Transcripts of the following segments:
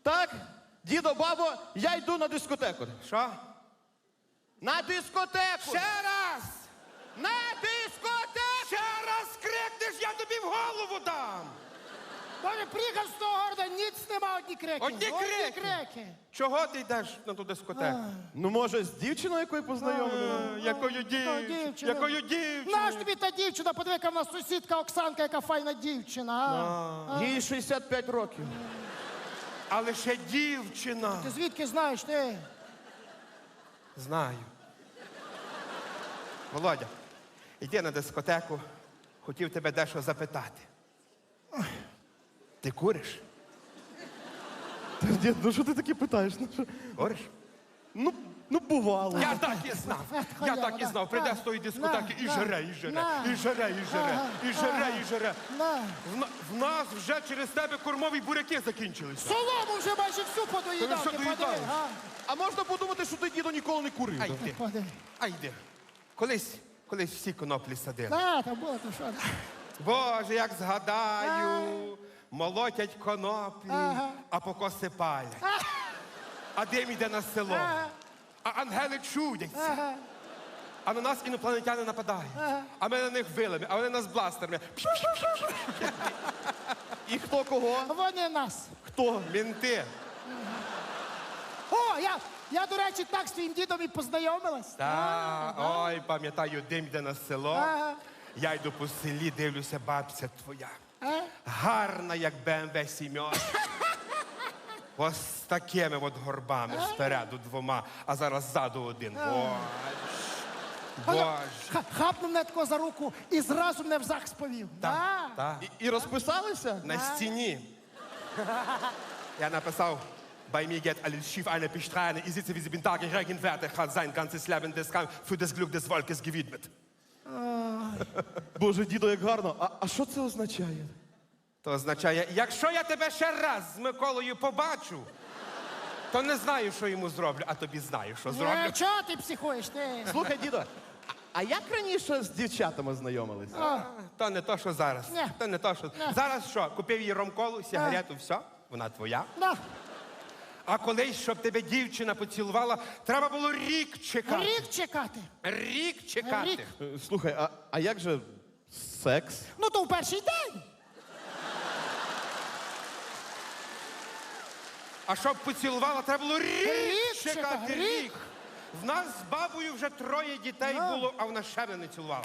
Так, дідо, бабо, я йду на дискотеку. Що? На дискотеку! Ще раз! На дискотеку! Ще раз крикнеш, я тобі в голову дам! Боже, приїхав з того города, ніц нема, одні крики. Одні крики. Чого ти йдеш на ту дискотеку? Ну, може, з дівчиною якою познайомили? Якою дівчиною? Якою дівчиною? Наш тобі та дівчина, подивика, в нас сусідка Оксанка, яка файна дівчина. Їй 65 років. Але ще дівчина. Ти звідки знаєш, ти? Знаю. Володя, йди на дискотеку. Хотів тебе дещо запитати. Ти куриш? Дід, ну що ти таке питаєш? Куриш? Ну, бувало. Я так і знав. Я так і знав. Прийде з тої дискотеки і жере, і жере, і жере, і жере, і жере, і жере. В нас вже через тебе кормові буряки закінчилися. Солому вже майже всю подоїдав, Що ти доїдаєш? подиви. А можна подумати, що ти, дідо, ніколи не курив. Ай йди, Подиви. ай йди. Колись всі коноплі садили. Там було, то що? Боже, як згадаю, молотять коноплі, а покоси палять. А дим йде на село. А ангели чудяться. А на нас інопланетяни нападають. А ми на них вилами, а вони нас бластерами. І хто кого? Вони нас. Хто? Мінти. О, я, до речі, так з твоїм дідом і познайомилась. Ой, пам'ятаю, дим йде на село. Ага. Я йду по селі, дивлюся, бабця твоя. А? Гарна, як БМВ 7. Ось з такими от горбами спереду двома, а зараз ззаду один. Боже. Хапнув мене тако за руку і зразу мене в ЗАГС повів. Так. І розписалися? На стіні. Я написав, bei mir geht alles schief, eine Bestreine. Ich sitze wie sie bin Tag, ich Regenwerte, hat sein ganzes Leben des Kampf für das Glück des Volkes gewidmet. Боже, дідо, як гарно. А що це означає? То означає, якщо я тебе ще раз з Миколою побачу, то не знаю, що йому зроблю, а тобі знаю, що зроблю. Чого ти психуєш, ти? Слухай, дідо, а як раніше з дівчатами знайомились? То не то, що зараз. Ні. То не то, що... Зараз що, купив їй ромколу, сигарету, все, вона твоя. Да. А колись, щоб тебе дівчина поцілувала, треба було рік чекати. Рік чекати. Рік чекати. Рік. Слухай, а як же секс? Ну, то в перший день. А щоб поцілувала, треба було рік чекати. чекати, рік. В нас з бабою вже 3 дітей було, а вона ще мене не цілувала.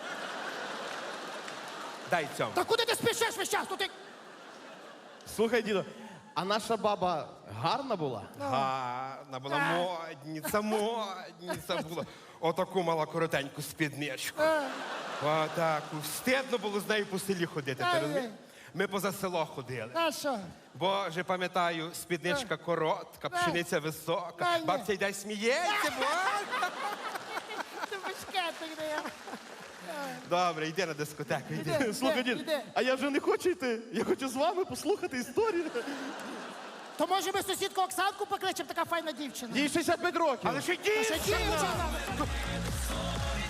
Дай цьому. Та куди ти спішиш весь час? Тут ти... Слухай, дідо, а наша баба гарна була? Гарна була, модниця була. Отаку мала коротеньку спідничку. Отаку. Стидно було з нею по селі ходити, ти розумієш? Ми поза село ходили. А що? Боже, пам'ятаю, спідничка коротка, пшениця висока. Ай, ні. Бабця йде сміється, боже. Ти бешкетик, де я. Добре, йди на дискотеку, йди. Іди. Слухай, дід, іде. а я вже не хочу йти. Я хочу з вами послухати історію. То може ми сусідку Оксанку покличемо, така файна дівчина? Їй 65 років. Але ще Що дівчина! дівчина?